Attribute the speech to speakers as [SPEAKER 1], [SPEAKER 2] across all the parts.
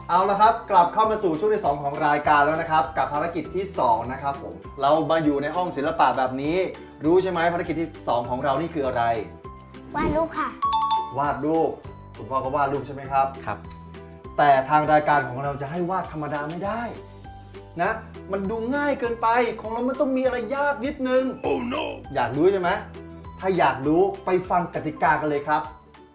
[SPEAKER 1] เอาละครับกลับเข้ามาสู่ช่วงที่2ของรายการแล้วนะครับกับภารกิจที่2นะครับผมเรามาอยู่ในห้องศิลปะแบบนี้รู้ใช่ไหมภารกิจที่2ของเรานี่คืออะไร
[SPEAKER 2] วาดรูปค่ะ
[SPEAKER 1] วาดรูปคุณพ่อก็วาดรูปใช่ไหมครับ
[SPEAKER 3] ครับ
[SPEAKER 1] แต่ทางรายการของเราจะให้วาดธรรมดาไม่ได้นะมันดูง่ายเกินไปของเรามันต้องมีอะไรยากนิดนึง
[SPEAKER 4] Oh no
[SPEAKER 1] อยากรู้ใช่ไหมถ้าอยากรู้ไปฟังกติกากันเลยครับ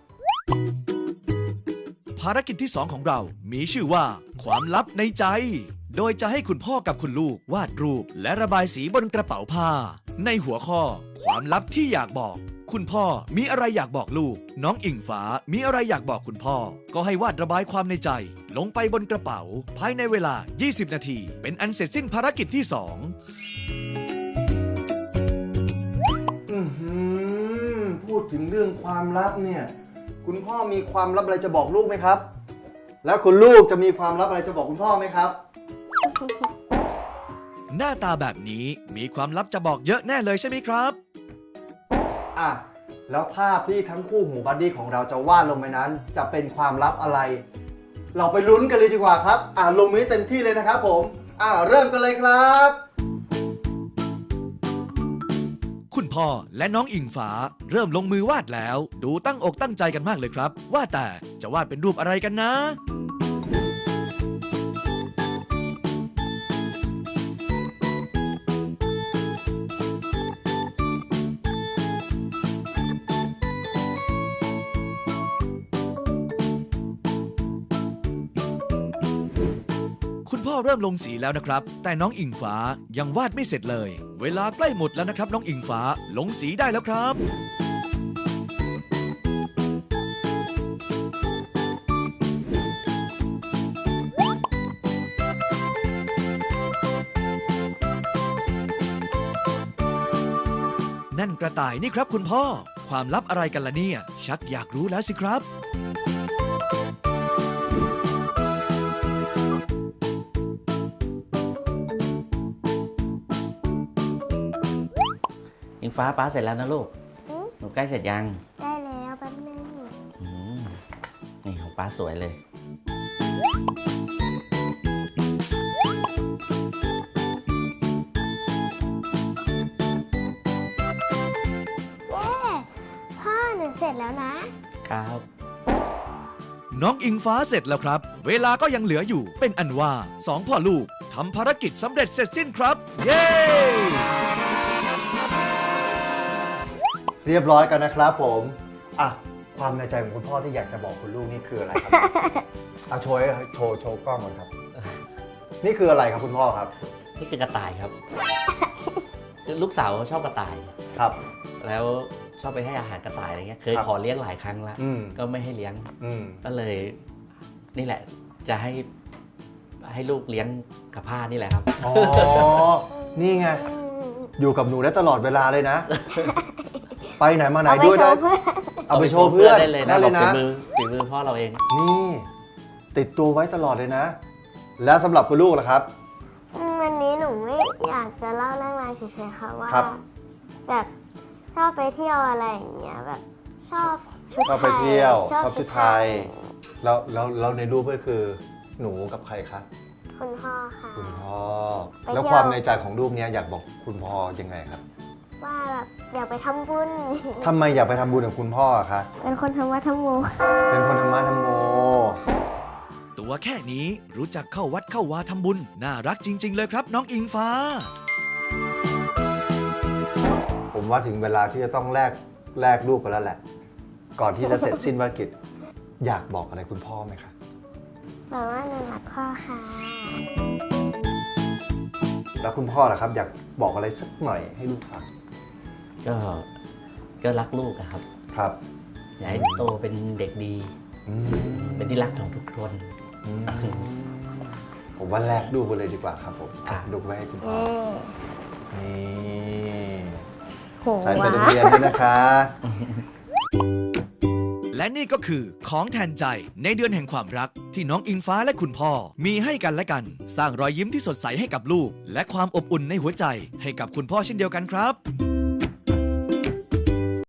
[SPEAKER 4] ภารกิจที่2ของเรามีชื่อว่าความลับในใจ โดยจะให้คุณพ่อกับคุณลูกวาดรูปและระบายสีบนกระเป๋าผ้าในหัวข้อความลับที่อยากบอกคุณพ่อมีอะไรอยากบอกลูกน้องอิงฟ้ามีอะไรอยากบอกคุณพ่อก็ให้วาดระบายความในใจลงไปบนกระเป๋าภายในเวลา20นาทีเป็นอันเสร็จสิ้นภารกิจที่2
[SPEAKER 1] พูดถึงเรื่องความลับเนี่ยคุณพ่อมีความลับอะไรจะบอกลูกไหมครับแล้วคุณลูกจะมีความลับอะไรจะบอกคุณพ่อไหมครับ
[SPEAKER 4] หน้าตาแบบนี้มีความลับจะบอกเยอะแน่เลยใช่ไหมครับ
[SPEAKER 1] อ่ะแล้วภาพที่ทั้งคู่หูบัดดี้ของเราจะวาดลงไปนั้นจะเป็นความลับอะไรเราไปลุ้นกันเลยดีกว่าครับลงมือเต็มที่เลยนะครับผมเริ่มกันเลยครับ
[SPEAKER 4] คุณพ่อและน้องอิงฟ้าเริ่มลงมือวาดแล้วดูตั้งอกตั้งใจกันมากเลยครับว่าแต่จะวาดเป็นรูปอะไรกันนะคุณพ่อเริ่มลงสีแล้วนะครับแต่น้องอิงฟ้ายังวาดไม่เสร็จเลยเวลาใกล้หมดแล้วนะครับน้องอิงฟ้าลงสีได้แล้วครับนั่นกระต่ายนี่ครับคุณพ่อความลับอะไรกันล่ะเนี่ยชักอยากรู้แล้วสิครับ
[SPEAKER 3] อิงฟ้าป้าเสร็จแล้วนะลูกหนูใกล้เสร็จยัง
[SPEAKER 2] ได้แล้วแป๊บนึง
[SPEAKER 3] นี่ของป้าสวยเลย
[SPEAKER 2] พ่อหนูเสร็จแล้วนะครับ
[SPEAKER 4] น้องอิงฟ้าเสร็จแล้วครับเวลาก็ยังเหลืออยู่เป็นอันว่า2พ่อลูกทำภารกิจสำเร็จเสร็จสิ้นครับเย้
[SPEAKER 1] เรียบร้อยกันนะครับผมความในใจของคุณพ่อที่อยากจะบอกคุณลูกนี่คืออะไรครับ โชว์กล้องก่อนครับ นี่คืออะไรครับคุณพ่อครับ
[SPEAKER 3] นี่คือกระต่ายครับคือลูกสาวชอบกระต่าย
[SPEAKER 1] ครับ
[SPEAKER 3] แล้วชอบไปให้อาหารกระต่ายอะไรเงี้ยเคยขอเลี้ยงหลายครั้งแล้วก็ไม่ให้เลี้ยงก็เลยนี่แหละจะให้ลูกเลี้ยงกับผ้านี่แหละครับ
[SPEAKER 1] อ๋อนี่ไงอยู่กับหนูได้ตลอดเวลาเลยนะไปไหนมาไหนด้วยได้เอาไปโชว์เพื่อน
[SPEAKER 3] ได้เลยนะฝีมือพ่อเราเอง
[SPEAKER 1] นี่ติดตัวไว้ตลอดเลยนะแล้วสำหรับคุณลูกล่ะครับ
[SPEAKER 2] วันนี้หนูไม่อยากจะเล่าเรื่องราวเฉยๆค่ะว่าแบบชอบไปเที่ยวอะไรอย่างเงี้ยแบบชอบชุดไทย
[SPEAKER 1] ชอบไปเที่ยวชอบชุดไทยแล้วในรูปก็คือหนูกับใครคะ
[SPEAKER 2] คุณพ่อค่ะ
[SPEAKER 1] คุณพ่อแล้วความในใจของรูปนี้อยากบอกคุณพ่อยังไงครับ
[SPEAKER 2] ว่าแบบอยากไปทำบุญ
[SPEAKER 1] ทำไมอยากไปทำบุญกับคุณพ่อคะ
[SPEAKER 2] เป็นคนธรรมะธรรมโม
[SPEAKER 1] เป็นคนธรรมะธรรมโม
[SPEAKER 4] ตัวแค่นี้รู้จักเข้าวัดเข้าวาทำบุญน่ารักจริงๆเลยครับน้องอิงฟ้า
[SPEAKER 1] ผมว่าถึงเวลาที่จะต้องแลกรูปกันแล้วแหละก่อนที่จะเสร็จสิ้นภารกิจอยากบอกอะไรคุณพ่อไหมคะ
[SPEAKER 2] บอกว่าหนูรักพ่อค่ะ
[SPEAKER 1] แล้วคุณพ่อล่ะครับอยากบอกอะไรสักหน่อยให้ลูกฟัง
[SPEAKER 3] ก็รักลูกครับ
[SPEAKER 1] ครับ
[SPEAKER 3] อยากให้โตเป็นเด็กดีเป็นที่รักของทุกคน
[SPEAKER 1] ผมว่าแลกดูกันเลยดีกว่าครับผมดูไว้ให้คุณพ่อนี่ใส่ไปโรงเรียนด้วยนะคะ
[SPEAKER 4] และนี่ก็คือของแทนใจในเดือนแห่งความรักที่น้องอิงฟ้าและคุณพ่อมีให้กันและกันสร้างรอยยิ้มที่สดใสให้กับลูกและความอบอุ่นในหัวใจให้กับคุณพ่อเช่นเดียวกันครับ